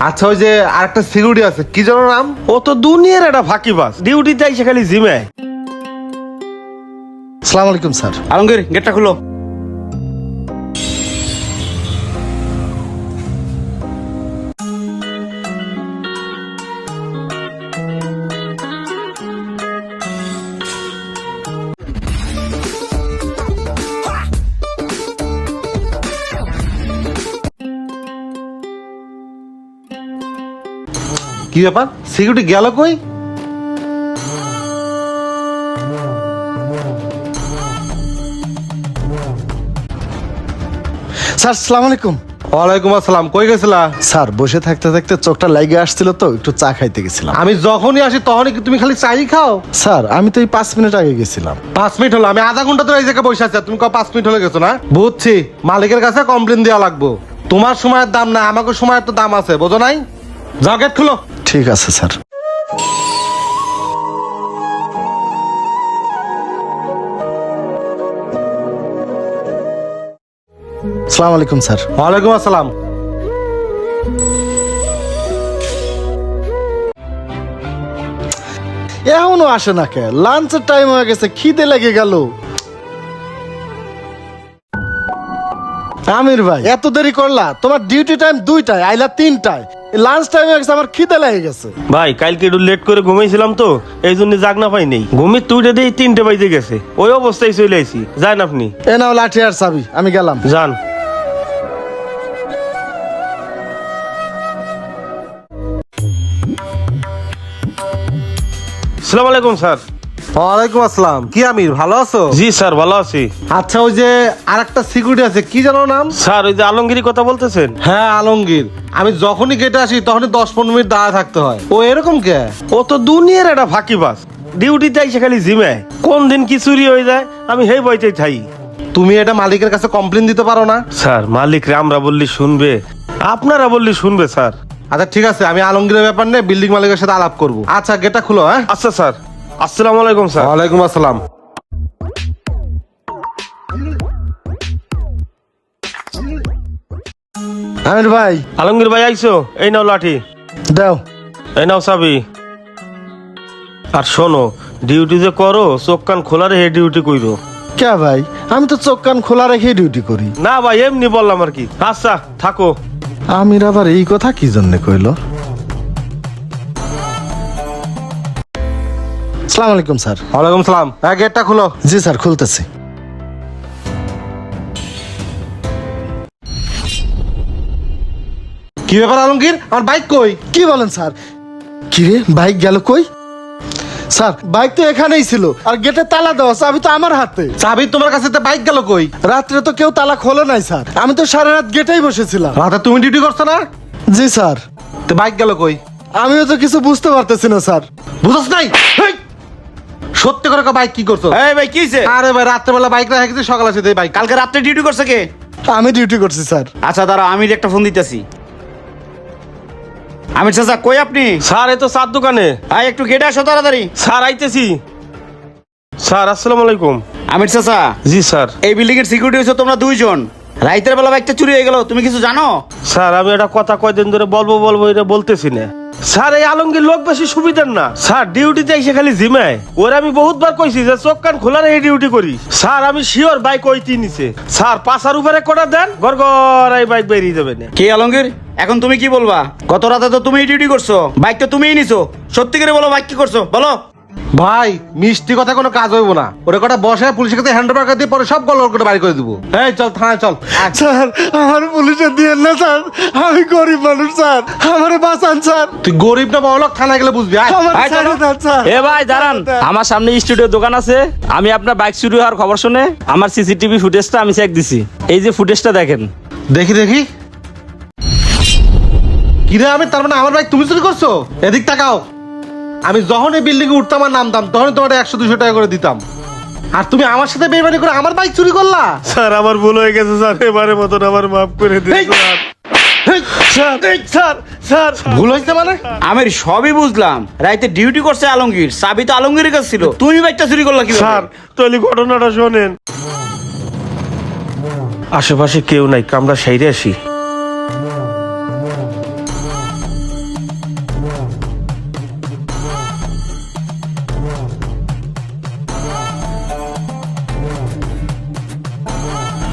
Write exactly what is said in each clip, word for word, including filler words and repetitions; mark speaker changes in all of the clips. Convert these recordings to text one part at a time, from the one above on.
Speaker 1: আচ্ছা ওই যে আরেকটা সিকিউরিটি আছে কি যেন নাম?
Speaker 2: ও তো দুনিয়ার একটা ফাঁকিবাজ, ডিউটিতে আইসে খালি জিমে।
Speaker 3: আসসালামু আলাইকুম স্যার।
Speaker 4: আলমগীর গেটটা খুলো।
Speaker 1: কি ব্যাপার, সিকিউরিটি গেল কই?
Speaker 3: স্যার আসসালামু আলাইকুম।
Speaker 1: ওয়ালাইকুম আসসালাম, কই গেছিলা?
Speaker 3: স্যার বসে থাকতে থাকতে চোখটা লাগিয়ে আসছিল তো একটু চা খাইতে গেছিলাম।
Speaker 1: আমি যখনই আসি তখনই কি তুমি খালি চাই খাও?
Speaker 3: স্যার আমি তো এই পাঁচ মিনিট আগে গেছিলাম।
Speaker 1: পাঁচ মিনিট হলো, আমি আধা ঘন্টা ধরে এই জায়গায় বসে আছি, আর তুমি কও পাঁচ মিনিট হলে গেছো না? বুঝছি, মালিকের কাছে কমপ্লেন দেওয়া লাগবো। তোমার সময়ের দাম না, আমাকে সময়ের তো দাম আছে, বোঝো নাই? যাও গেট খুলো।
Speaker 3: ঠিক আছে স্যার। আসসালামু আলাইকুম স্যার।
Speaker 1: ওয়ালাইকুম আসসালাম।
Speaker 3: এখনো আসে না কে? লাঞ্চের টাইম হয়ে গেছে, খিদে লেগে গেল। আমির ভাই এত দেরি করলা? তোমার ডিউটি টাইম দুইটায়, আইলা তিনটায়, লাঞ্চ টাইম হয়ে গেছে, আমার খিদে লেগে গেছে।
Speaker 2: ভাই কালকে একটু লেট করে ঘুমাইছিলাম তো, এই জন্য জাগ না পাই নেই। ঘুমিয়ে তুইটা দিয়ে তিনটে বাজে গেছে, ওই অবস্থায় চলে আইছি। যান আপনি।
Speaker 3: এ নাও লাঠি আর চাবি, আমি গেলাম।
Speaker 2: যান। আসসালামু আলাইকুম স্যার।
Speaker 1: ওয়ালাইকুম আসসালাম। কি আমির, ভালো আছো?
Speaker 2: জি স্যার ভালো আছি।
Speaker 1: আচ্ছা ওই যে আরেকটা সিকিউরিটি আছে কি যেন নাম?
Speaker 2: স্যার ওই যে আলমগীরি কথা বলতেছেন?
Speaker 1: হ্যাঁ আলমগীর। আমি যখনই গেটে আসি তখনই দশ পনেরো মিনিট দাঁড়ায় থাকতে হয়। ও এরকম কে?
Speaker 2: ও তো দুনিয়ার একটা ফাঁকিবাজ, ডিউটিতে আইসে খালি জিমে। কোন দিন কি চুরি হয়ে যায় আমি হেই বইতেই থাই।
Speaker 1: তুমি এটা মালিকের কাছে কমপ্লেন দিতে পারো না?
Speaker 2: স্যার মালিক রে আমরা বললি শুনবে, আপনারা বললি শুনবে স্যার।
Speaker 1: আচ্ছা ঠিক আছে, আমি আলমগীরের ব্যাপার নিয়ে বিল্ডিং মালিকের সাথে আলাপ করবো। আচ্ছা গেটটা খুলো। হ্যাঁ
Speaker 2: আচ্ছা স্যার। আসসালামু আলাইকুম স্যার।
Speaker 1: ওয়ালাইকুম আসসালাম।
Speaker 3: আমির ভাই
Speaker 2: আলমগীর ভাই আইছো, এই নাও লাঠি,
Speaker 3: দাও।
Speaker 2: এই নাও চাবি। আর শোনো, ডিউটি যে করো চোখ কান খোলা রেখে ডিউটি কইরো।
Speaker 3: কে ভাই, আমি তো চোখ কান খোলা রেখে ডিউটি করি।
Speaker 2: না ভাই এমনি বললাম আর কি। আচ্ছা থাকো।
Speaker 3: আমির আবার এই কথা কি জন্য কইলো? আসসালামু আলাইকুম স্যার।
Speaker 1: ওয়ালাইকুম সালাম। হ্যাঁ গেটটা খুলো।
Speaker 3: জি স্যার খুলতেছি।
Speaker 1: কি ব্যাপার আলমগীর, আমার বাইক কই?
Speaker 3: কি বলেন স্যার? কি রে, বাইক গেল কই? স্যার বাইক তো এখানেই ছিল, আর গেটে তালা দেওয়া, চাবি তো আমার হাতে।
Speaker 1: চাবি তোমার কাছে, তো বাইক গেল কই?
Speaker 3: রাত্রে তো কেউ তালা খোলে নাই স্যার, আমি তো সারা রাত গেটেই বসেছিলাম।
Speaker 1: রাতে তুমি ডিউটি করছো না?
Speaker 3: জি স্যার।
Speaker 1: তো বাইক গেল কই?
Speaker 3: আমিও তো কিছু বুঝতে পারতেছি না স্যার।
Speaker 1: বুঝছ নাই? হেই! সত্যি করে বাইক কি করছো?
Speaker 4: এই ভাই কি হইছে?
Speaker 1: আরে ভাই রাত্রেবেলা বাইক রেখে গেছি, সকালে আসে বাইক।
Speaker 4: কালকে রাত্রে ডিউটি করছে কে?
Speaker 3: আমি ডিউটি করছি স্যার।
Speaker 4: আচ্ছা দাঁড়াও, আমি একটা ফোন দিতেছি। আমির চাচা কই আপনি?
Speaker 2: স্যার এই তো চার দোকানে।
Speaker 4: আয় একটু গেটে আসো তাড়াতাড়ি।
Speaker 2: স্যার আইতেছি। স্যার আসসালামু আলাইকুম।
Speaker 4: আমির চাচা,
Speaker 2: জি স্যার।
Speaker 4: এই বিল্ডিং এর সিকিউরিটি হইছো তোমরা দুইজন। রাইতের বেলা বাইকটা চুরি হয়ে গেল, তুমি কিছু জানো?
Speaker 2: স্যার আমি একটা কথা কয়দিন ধরে বলবো বলবো এটা বলতেছি না। স্যার এই আলমগীর লোক বেশি সুবিধার না স্যার, ডিউটিতে এসে খালি জিমায়। ওরা আমি বহুতবার কইছি যে চোখ কান খোলা রেখে ডিউটি করি। স্যার আমি শিওর বাইক ওইটি নিছে। স্যার পাশার উপরে কোটা দেন, গড় গড় এই বাইক বেরিয়ে যাবে না।
Speaker 4: কে আলমগীর, এখন তুমি কি বলবা? গত রাতে তো তুমিই ডিউটি করছো, বাইক তো তুমিই নিছো। সত্যি করে বলো বাইক কি করছো বলো।
Speaker 1: ভাই মিষ্টি কথা কোনো কাজ হইব না। ওরা কটা বসে পুলিশের কাছে হ্যান্ড ওভার করে দিয়ে পরে সব গল্প করে বাড়ি করে দিব। এই চল থানায় চল।
Speaker 3: স্যার আমার পুলিশে দিয়েন না স্যার, আমি গরিব মানুষ স্যার, আমারে বাঁচান স্যার।
Speaker 1: তুই গরিব না বড়লোক, থানায় গেলে বুঝবি। আয়।
Speaker 3: আমার
Speaker 4: আয়,
Speaker 3: ছেড়ে
Speaker 4: চলো।
Speaker 3: দেন স্যার।
Speaker 5: এ ভাই দাঁড়ান, আমার সামনে স্টুডিও দোকান আছে। আমি আপনার বাইক চুরি হওয়ার খবর শুনে আমার সিসিটিভি ফুটেজটা আমি চেক দিছি। এই যে ফুটেজটা দেখেন।
Speaker 1: দেখি দেখি। কিরে আমি, তার মানে আমার বাইক তুমি চুরি করছো? এদিক তাকাও। আমি যখন এই বিল্ডিং এ উঠতাম আর নামতাম তখন তোমার একশো দুশো টাকা করে দিতাম, আর তুমি আমার সাথে বেইমানি করে আমার বাইক চুরি করলা।
Speaker 2: স্যার আমার ভুল হয়ে গেছে স্যার, এবারে মতন আমার মাফ করে দিন
Speaker 1: এই!
Speaker 2: Sir.
Speaker 1: Hey!
Speaker 2: Sir sir sir
Speaker 1: ভুল হয়েছে মানে?
Speaker 4: আমির সবই বুঝলাম, রাইতে ডিউটি করছে আলমগীর, চাবি তো আলমগীরের কাছে ছিল, তুমি বাইকটা চুরি করলা কি?
Speaker 2: স্যার তাহলে ঘটনাটা শোনেন। আশেপাশে কেউ নাই, আমরা সাইরে আসি।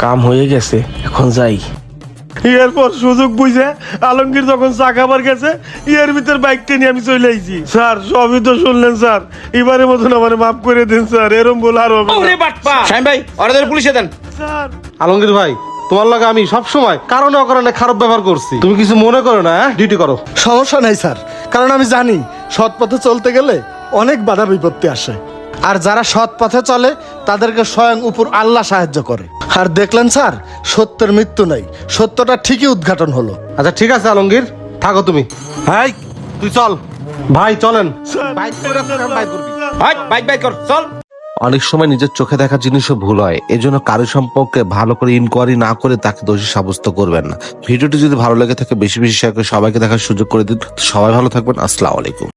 Speaker 2: কাম হয়ে গেছে, এখন যাই। এরপর সুযোগ বুঝে আলমগীর যখন চা খাবার গেছে, এর ভিতর বাইকটা নিয়ে আমি চলে আইছি। স্যার সবই তো শুনলেন স্যার, এবারের মতন আমার মাফ করে দিন স্যার, এরম বলে আর হবে না।
Speaker 4: ওরে বাটপা শাহিন ভাই ওরা পুলিশে দেন।
Speaker 2: স্যার
Speaker 1: আলমগীর ভাই, তোমার লাগে আমি সব সময় কারণে অকারণে খারাপ ব্যবহার করছি, তুমি কিছু মনে করো না, ডিউটি করো।
Speaker 3: সমস্যা নাই স্যার, কারণ আমি জানি সৎ পথে চলতে গেলে অনেক বাধা বিপত্তি আসে, আর যারা সৎ পথে চলে তাদেরকে স্বয়ং উপর আল্লাহ সাহায্য করে। আর দেখলেন স্যার, সত্যের মৃত্যু নাই, সত্যটা ঠিকই উদ্ঘাটন হলো।
Speaker 1: আচ্ছা ঠিক আছে আলমগীর, থাকো তুমি। ভাই তুই চল, ভাই চলেন।
Speaker 2: স্যার,
Speaker 1: বাইক করে রাখো, আমি বাইক করবি।
Speaker 4: হাট বাইক বাইক কর চল।
Speaker 6: অনেক সময় নিজের চোখে দেখা জিনিসও ভুল হয়, এজন্য কারো সম্পর্কে ভালো করে ইনকোয়ারি না করে তাকে দোষী সাব্যস্ত করবেন না। ভিডিওটি যদি ভালো লেগে থাকে বেশি বেশি শেয়ার করে সবাইকে দেখার সুযোগ করে দিন। সবাই ভালো থাকবেন, আসসালামু আলাইকুম।